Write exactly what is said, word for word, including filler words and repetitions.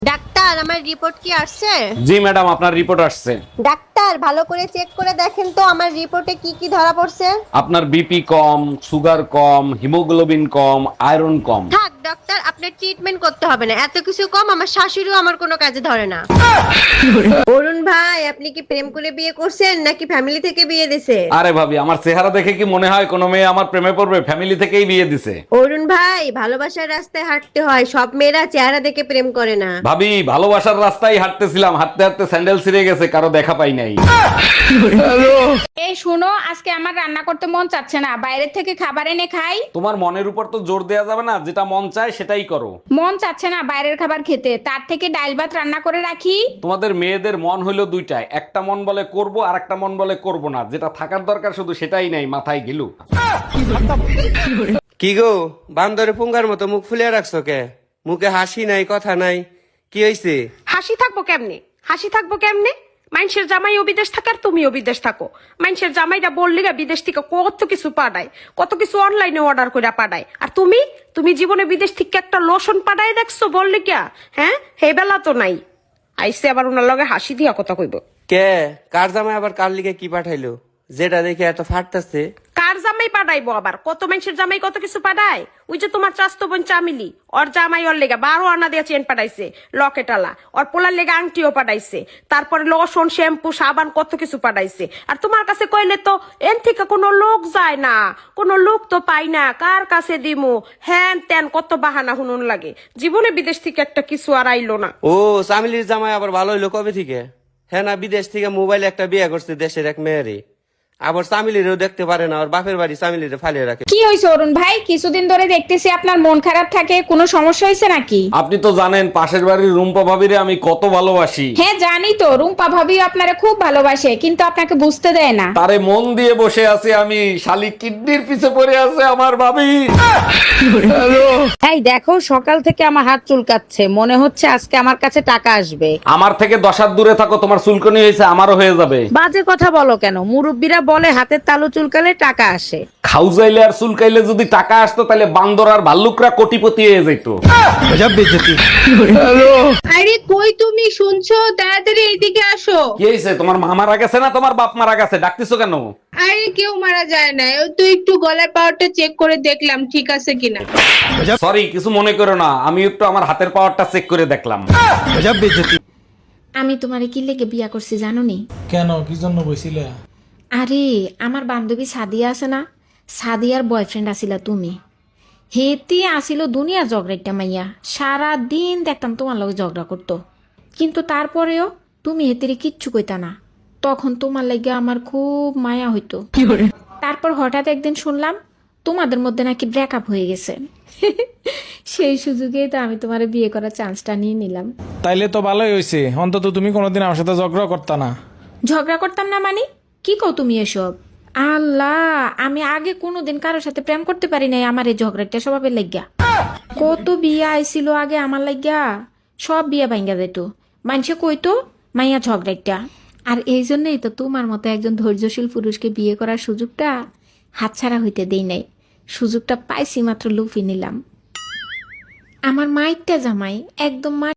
Doctor আমার report কি আসছে? জি ম্যাডাম, আপনার রিপোর্ট আসছে। ডাক্তার ভালো করে চেক করে দেখেন তো আমার রিপোর্টে কি কি ধরা পড়ছে। আপনার বিপি কম, সুগার কম, হিমোগ্লোবিন কম, আয়রন কম। থাক ডাক্তার, আপনার ট্রিটমেন্ট করতে হবে না, এত কিছু কম আমার শাশুড়িও আমার কোনো কাজে ধরে না। অরুণ ভাই আপনি কি প্রেম করে বিয়ে করছেন নাকি ফ্যামিলি থেকে বিয়ে দিছে? আরে ভাবি, আমার চেহারা দেখে কি মনে হয় কোনো মেয়ে আমার প্রেমে পড়বে? ফ্যামিলি থেকেই বিয়ে দিছে। অরুণ ভাই ভালোবাসার রাস্তায় হাঁটতে হয়, সব মেয়েরা চেহারা দেখে প্রেম করে না। ভাবি, ভালোবাসার রাস্তায় হাঁটতেছিলাম, হাঁটতে হাঁটতে স্যান্ডেল ছিঁড়ে গেছে, কারো দেখা পাই নাই। এই শুনো, আজকে আমার রান্না করতে মন চাচ্ছে না, বাইরে থেকে খাবার এনে খাই। তোমার মনের উপর তো জোর দেয়া যাবে না, যেটা মন চায় সেটাই করো। মন চাচ্ছে না বাইরের খাবার খেতে, তার থেকে ডাল ভাত রান্না করে রাখি। তোমাদের মেয়েদের মন হইলো দুইটাই, একটা মন বলে করব আর একটা মন বলে করব না, যেটা থাকার দরকার শুধু সেটাই নাই, মাথায় গিলু। কি গো, বান্দরে পুঙ্গার মতো মুখ ফুলিয়ে রাখছো কে? মুখে হাসি নাই, কথা নাই, কি হইছে? হাসি থাকবো কেমনে হাসি থাকবো কেমনে মানুষের জামাইও বিদেশ থাকার তুমিও বিদেশ থাকো। মানুষের জামাইটা বললি গা বিদেশ থেকে কত কিছু পাঠায়, কত কিছু অনলাইনে অর্ডার করে পাঠায়, আর তুমি তুমি জীবনে বিদেশ থেকে একটা লোশন পাঠায় দেখছো বললি কিয়া? হ্যাঁ, হে বেলা তো নাই। আইসে আবার ওনার লগে হাসি দিয়া কথা কইব। কে কার জামাই আবার কার লিগে কি পাঠাইলো, যেটা দেখে এত ফাটতাছে? কার জামাই পাঠাইবো আবার? কত মানুষের জামাই কত কিছু পাঠায়। ওই যে তোমার চাস্তো বোন চামিলি, ওর জামাই ওর লেগা বারো আনা দিয়ে চেন পাঠাইছে, লকেটালা, ওর পোলার লেগা আংটিও পাঠাইছে, তারপরে লসন শ্যাম্পু সাবান কত কিছু পাঠাইছে। আর তোমার কাছে কইলে তো এন থেকে কোনো লোক যায় না, কোনো লোক তো পাই না, কার কাছে দিমু, হ্যান ত্যান কত বাহানা হুনুন লাগে। জীবনে বিদেশ থেকে একটা কিছু আর আইলো না। ও, চামিলির জামাই আবার ভালো হইলো কবে থেকে? হ্যাঁ না, বিদেশ থেকে মোবাইলে একটা বিয়ে করছে দেশের এক মেয়েরে, আবার চামিলিরেও দেখতে পারে না, ওর বাপের বাড়ি চামিলিরে ফালিয়ে রাখে। কি হয়েছে অরুণ ভাই, কিছুদিন ধরে দেখতেছি আপনার মন খারাপ থাকে, কোনো সমস্যা হয়েছে নাকি? আপনি তো জানেন পাশের বাড়ির রুম্পা ভাবিরে আমি কত ভালোবাসি। হ্যাঁ জানি তো, রুম্পা ভাবি আপনারা খুব ভালোবাসে, কিন্তু আপনাকে বুঝতে দেয় না। তারে মন দিয়ে বসে আছি আমি, শালি কিডনির পিছে পড়ে আছে আমার ভাবি। এই দেখো, সকাল থেকে আমার হাত চুলকাচ্ছে, মনে হচ্ছে আজকে আমার কাছে টাকা আসবে। আমার থেকে দশ হাত দূরে থাকো, তোমার চুলকনি হয়েছে আমারও হয়ে যাবে। বাজে কথা বলো কেন? মুরব্বীরা বলে হাতের তালু চুলকালে টাকা আসে। খাউজাইলে আর চুলকাইলে যদি টাকা আসতো তাহলে বান্দর আর ভাল্লুকরা কোটিপতি হয়ে যেত। আরে কই তুমি? শুনছো? তাড়াতাড়ি এইদিকে আসো। কি হয়েছে? তোমার মা মারা গেছে না তোমার বাপ মারা গেছে? ডাকতেছো কেন? আরে কেউ মারা যায় না, ওই তো একটু গলার পাওয়ারটা চেক করে দেখলাম ঠিক আছে কিনা। সরি, কিছু মনে করো না, আমি একটু আমার হাতের পাওয়ারটা চেক করে দেখলাম। আমি তোমারে কি লেগে বিয়া করছি জানো নি? কেন, কি জন্য বইছিলে? আরে আমার বান্ধবী সাদিয়া আছে না, সাদিয়ার বয়ফ্রেন্ড আসিলা তুমি। হেতি আসিল দুনিয়া ঝগড়াইটা মাইয়া, সারা দিন দেখতাম তোমার লগে ঝগড়া করতো, কিন্তু তারপরেও তুমি হেতিরে কিচ্ছু কইতা না। তখন তোমার লাগে আমার খুব মায়া হইতো। তারপর হঠাৎ একদিন শুনলাম তোমাদের মধ্যে নাকি ব্রেকআপ হয়ে গেছে। সেই সুযোগেই তো আমি তোমার বিয়ে করার চান্সটা নিয়ে নিলাম। তাইলে তো ভালোই হয়েছে, অন্তত তুমি কোনোদিন আমার সাথে ঝগড়া করতা না। ঝগড়া করতাম না মানে কি কও তুমি এসব? আল্লাহ, আমি আগে কোনোদিন কারোর সাথে প্রেম করতে পারি নাই আমার এই ঝগড়াটা স্বভাবের লাগিয়া। কত বিয়া আইছিল আগে আমার লাগিয়া, সব বিয়া ভাঙ্গা যেত, মানুষে কইতো মাইয়া ঝগড়াটা। আর এই জন্যই তো তোমার মতো একজন ধৈর্যশীল পুরুষকে বিয়ে করার সুযোগটা হাতছাড়া হইতে দেই নাই। সুযোগটা পাইছি মাত্র লুফি নিলাম। আমার মাইটটা জামাই একদম